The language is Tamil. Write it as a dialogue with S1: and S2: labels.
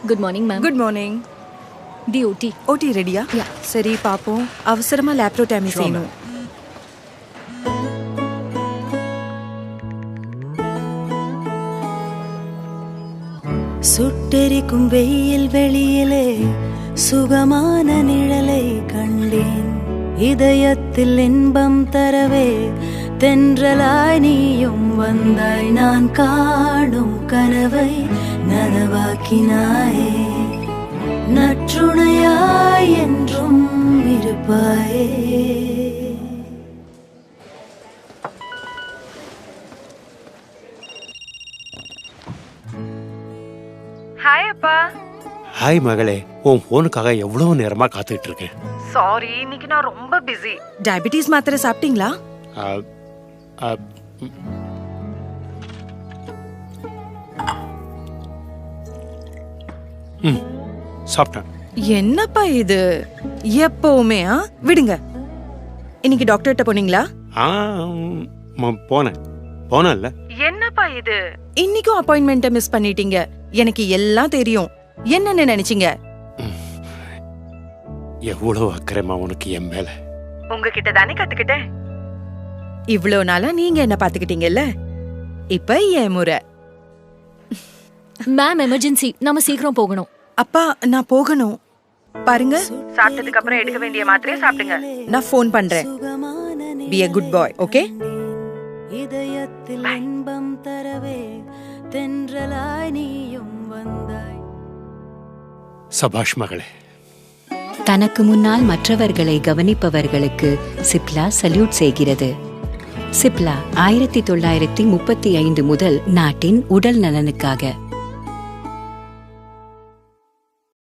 S1: Good morning ma'am.
S2: Good morning.
S1: தி ஓடி.
S2: ஓடி ரெடியா?
S1: யா.
S2: சரி பாப்போம். அவசரமா லேப்ரோடாமி செய்யணும்.
S3: சுட்டெரிக்கும் வெயில் வெளியிலே சுகமான நிழலை கண்டேன். இதயத்தில் இன்பம் தரவே தென்றலாய் நீயும் வந்தாய். நான் காணும் கனவை நனவாக்கினாயே. நற்றுணையாய் என்றும் இருப்பாயே.
S2: ஹாய் அப்பா.
S4: ஹாய் மகளே, உன் ஃபோனுக்காக எவ்வளவு நேரமா காத்துக்கிட்டு இருக்கேன்.
S2: சாரி, இன்னைக்கு நான் ரொம்ப பிஸி. டயபிட்டிஸ் மாத்திரை சாப்பிட்டீங்களா?
S4: ஆ, ஆ, ம், சாப்பிட்டேன்.
S2: என்னப்பா இது எப்பவுமே விடுங்க. இன்னைக்கு டாக்டர்கிட்ட போனீங்களா?
S4: ஆ, போனேன்ல.
S2: என்னப்பா இது இன்னைக்கும் அப்பாயின்மெண்ட்டை மிஸ் பண்ணிட்டீங்க. எனக்கு எல்லாம் தெரியும். என்னன்னு நினைச்சீங்க?
S4: எவ்வளவு அக்கறைமா உனக்கு என் மேல.
S2: உங்ககிட்ட தானே கத்துக்கிட்டேன். இவ்ளோ நாளா நீங்க என்ன பாத்துக்கிட்டீங்கல்ல, இப்ப என் முறை.
S1: மேம் எமர்ஜென்சி, நாம சீக்கிரம் போகணும்.
S2: அப்பா நான் போகணும். பாருங்க, சாப்பிட்டதுக்கு அப்புறம் எடுக்க வேண்டிய மாத்திரையை சாப்பிடுங்க. நான் ஃபோன் பண்றேன். Be a good boy, okay?
S3: இதயத்தில் இன்பம் தரவே தென்றலாய் நீயும் வந்தாய்.
S4: சபாஷ் மகளே.
S5: தனக்கு முன்னால் மற்றவர்களை கவனிப்பவர்களுக்கு சிப்லா சல்யூட் செய்கிறது. சிப்லா 1935 முதல் நாட்டின் உடல் நலனுக்காக.